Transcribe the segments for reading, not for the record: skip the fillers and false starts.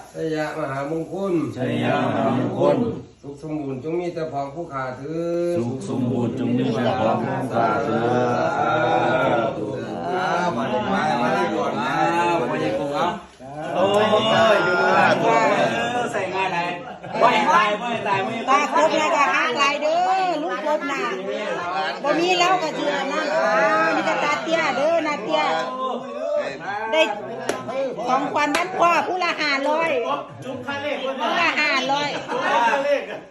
ชัยยะมหามงคลชัยยะมหามงคลสุขสมบูรณ์จงมีแต่พองผู้ขาถือสุขสมบูรณ์จงมีแต่พองผู้ขาถือมาได้ก่อนนะมาได้ก่อนเอาโอ้ยอยู่บ้านใส่งานไหนไม่ตายตาครบแล้วก็หักไหลเด้อลูกครบน่ะบ่มีแล้วก็สิอันนั้นนี่ก็ตาเตี้ยเด้อนาเตี้ยได้ของขวัญบ้านพ่อผู้ละ500จุ๊บค่าเลขผู้ละ500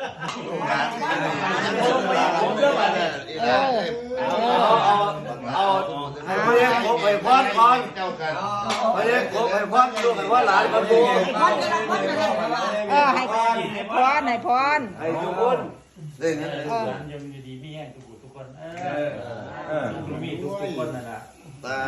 ไม่ได้ขบไปพอดก่อนไม่ได้ขบไปพอดดูกันว่าหลานมันดูให้พรให้ทุกคนยังอยู่ดีมีแห้งทุกคนมีทุกคนนั่นแหละตา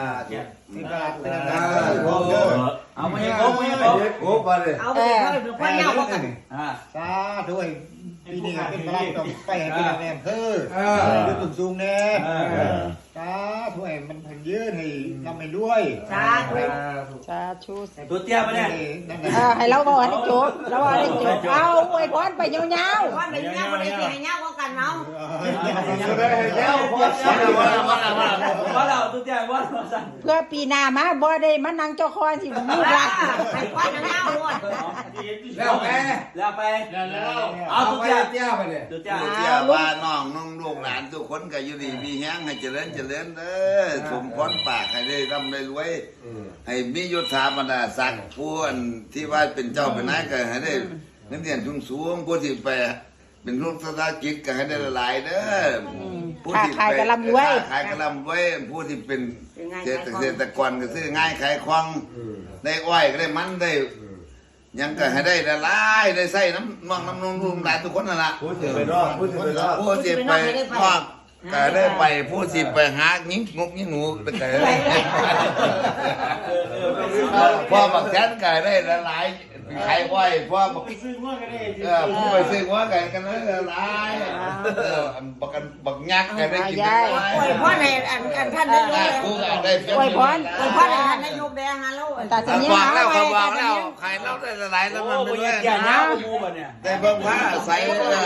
เอาไม่ให้ครบไปเลยเอาไปเลยพ่อเน่ากันสาด้วยปีนี้เป็นพลังต้องไปให้เป็นแม่คือดูตุ่มสูงแน่สาธุให้มันพันยืนให้นำไปด้วยสาธุตัวเตี้ยไปเนี่ยให้เราบอกให้จบเราบอกให้จบเอาอวยพรไปยาวๆไปเงาไปเลยให้เงากันเนาะว่าเราตัวเตี้ยว่าเพื่อปีหน้ามาบ่ได้มานั่งเจ้าคอสิลูกหลานให้ควันเงาด้วยแล้วไปเอาตัวเตี้ยไปเนี่ยตัวเตี้ยว่าน้องลูกหลานทุกคนก็อยู่ดีมีแห้งให้เจริญเด้อสมพรปากให้ได้ร่ำได้รวยให้มียศถาบรรดาศักดิ์ผู้ที่ว่าเป็นเจ้าเป็นนายก็ให้ได้เงินเดือนสูงผู้ที่ไปเป็นลูกธุรกิจก็ให้ได้หลายเด้อผู้ที่ขายกระลำไว้ผู้ที่เป็นเกษตรกรก็ซื้อง่ายขายคล่องได้อ้อยก็ได้มันได้ยังก็ให้ได้หลายได้ใส่น้ำนุ่มหลายทุกคนนั่นแหละผู้ที่ไปนอกก็ได้ไปผู้ที่ไปหายิงงกยิงหนูไปไก่พ่อบักแทนไก่ได้หลายใครไหวพ่อบักซื้อว่ากันได้ผู้ไปซื้อว่ากันนั้นหลายบักยักษ์กันได้กินได้อวยพรให้ท่านได้ยกอวยพรให้ท่านได้ยกแดงฮะลูกตาสัญญาแล้วใครแล้วได้หลายแล้วมันไม่ได้อย่าหน้ามูแบบเนี่ยได้เบิ่งผ้าใส่